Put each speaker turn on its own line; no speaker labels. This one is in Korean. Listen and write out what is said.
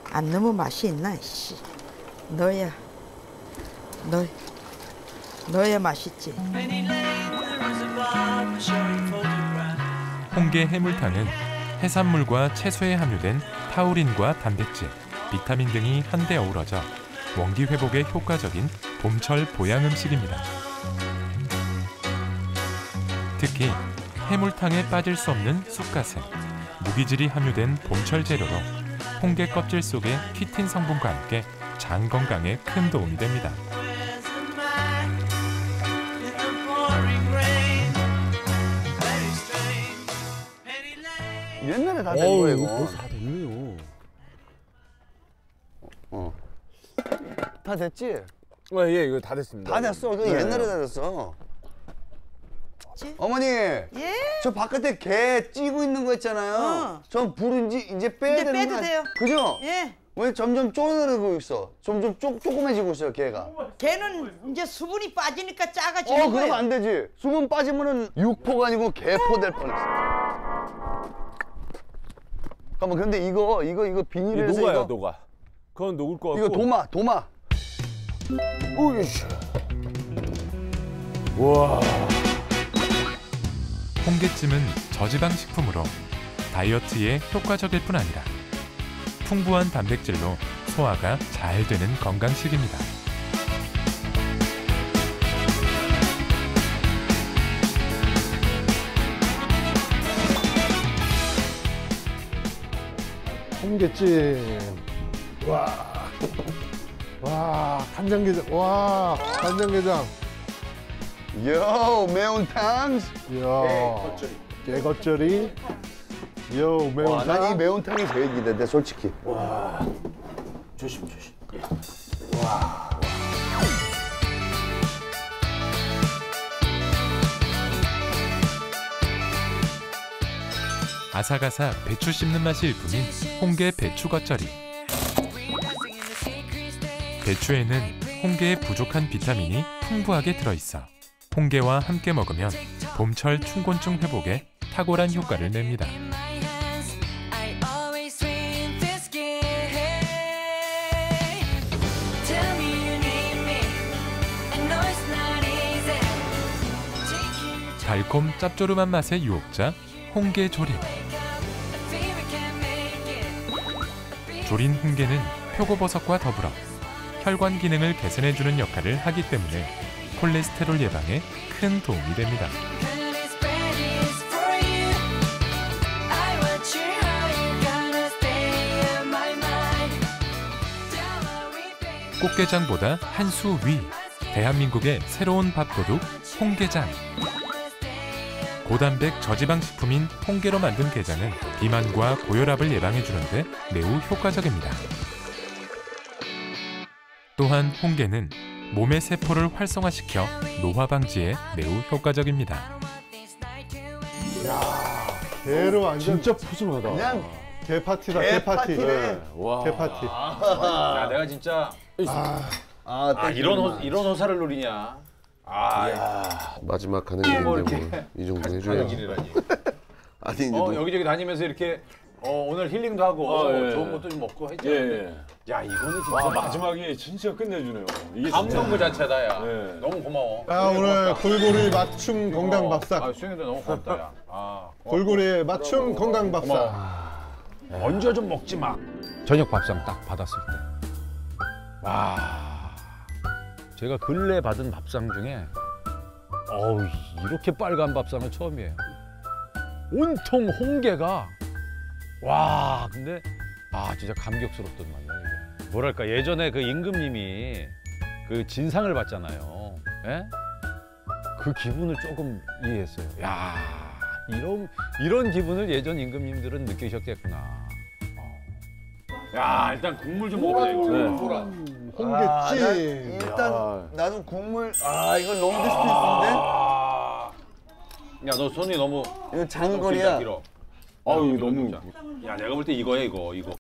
안 너무 맛이 있나? 씨. 넣어야 맛있지.
홍게 해물탕은 해산물과 채소에 함유된 타우린과 단백질, 비타민 등이 한데 어우러져 원기 회복에 효과적인 봄철 보양 음식입니다. 특히 해물탕에 빠질 수 없는 쑥갓은 무기질이 함유된 봄철 재료로 홍게 껍질 속의 키틴 성분과 함께 장 건강에 큰 도움이 됩니다.
옛날에 다 된 거예요.
이거 벌써 다 됐네요.
다 됐지?
예, 이거 다 됐습니다.
다 됐어. 이거 옛날에 다 됐어. 어머니,
예?
저 바깥에 게 찌고 있는 거 있잖아요. 저 불은 이제 빼야 되는
빼도
거
돼요.
그죠?
예.
왜 점점 쪼그라들고 있어? 점점 조그매지고 있어요, 게가.
걔는 이제 수분이 빠지니까 작아지는 거예요.
그러면 안 되지. 수분 빠지면은 육포가 아니고 개포 될 뻔했어. 잠깐만, 근데 이거 비닐에서
녹아요, 녹아. 그건 녹을 거 같고.
이거 도마.
오이씨. 와.
홍게찜은 저지방 식품으로 다이어트에 효과적일 뿐 아니라 풍부한 단백질로 소화가 잘 되는 건강식입니다.
홍게찜. 와, 간장게장. 와, 간장게장.
요, 매운탕.
이야, 깨겉절이. 요, 매운탕.
난 이 매운탕이 제일 기대돼, 솔직히.
조심.
아삭아삭 배추 씹는 맛이 일품인 홍게 배추 겉절이. 배추에는 홍게의 부족한 비타민이 풍부하게 들어있어 홍게와 함께 먹으면 봄철 충곤증 회복에 탁월한 효과를 냅니다. 달콤 짭조름한 맛의 유혹자 홍게 조림. 조린 홍게는 표고버섯과 더불어 혈관 기능을 개선해주는 역할을 하기 때문에 콜레스테롤 예방에 큰 도움이 됩니다. 꽃게장보다 한 수 위, 대한민국의 새로운 밥도둑 홍게장. 고단백 저지방 식품인 홍게로 만든 게장은 비만과 고혈압을 예방해주는데 매우 효과적입니다. 또한 홍게는 몸의 세포를 활성화시켜 노화 방지에 매우 효과적입니다.
게로 완전
진짜 푸짐하다.
그냥
게 파티다,
게
게 파티.
파티네.
와.
게 파티.
야, 내가 진짜 이런 호사를 누리냐?
마지막 가는 길인데 뭐 이 정도 해줘야지.
길이라니.
아니 이제
여기저기 다니면서 이렇게 오늘 힐링도 하고
예.
좋은 것도 좀 먹고 했잖아.
예.
야, 이거는 진짜
와, 마지막에 진짜 끝내주네요. 이게
감동 그 자체다, 야.
네.
너무 고마워.
오늘 골고리 맞춤 건강 밥상.
수영이도 너무 고맙다, 야.
골고리 맞춤 건강 밥상.
먼저 좀 먹지 마. 저녁 밥상 딱 받았을 때. 와. 제가 근래 받은 밥상 중에 이렇게 빨간 밥상은 처음이에요. 온통 홍게가 근데 진짜 감격스럽던 말이야 이게. 뭐랄까 예전에 그 임금님이 그 진상을 받잖아요. 예? 그 기분을 조금 이해했어요. 야, 이런 기분을 예전 임금님들은 느끼셨겠구나. 야, 일단 국물 좀 먹어보자 이거.
홍게찜.
일단 나도 국물. 이건 너무 디스테이스인데?
야, 너 손이 너무
이거 장거리야.
길어.
아유 너무.
야, 내가 볼 때 이거야 이거.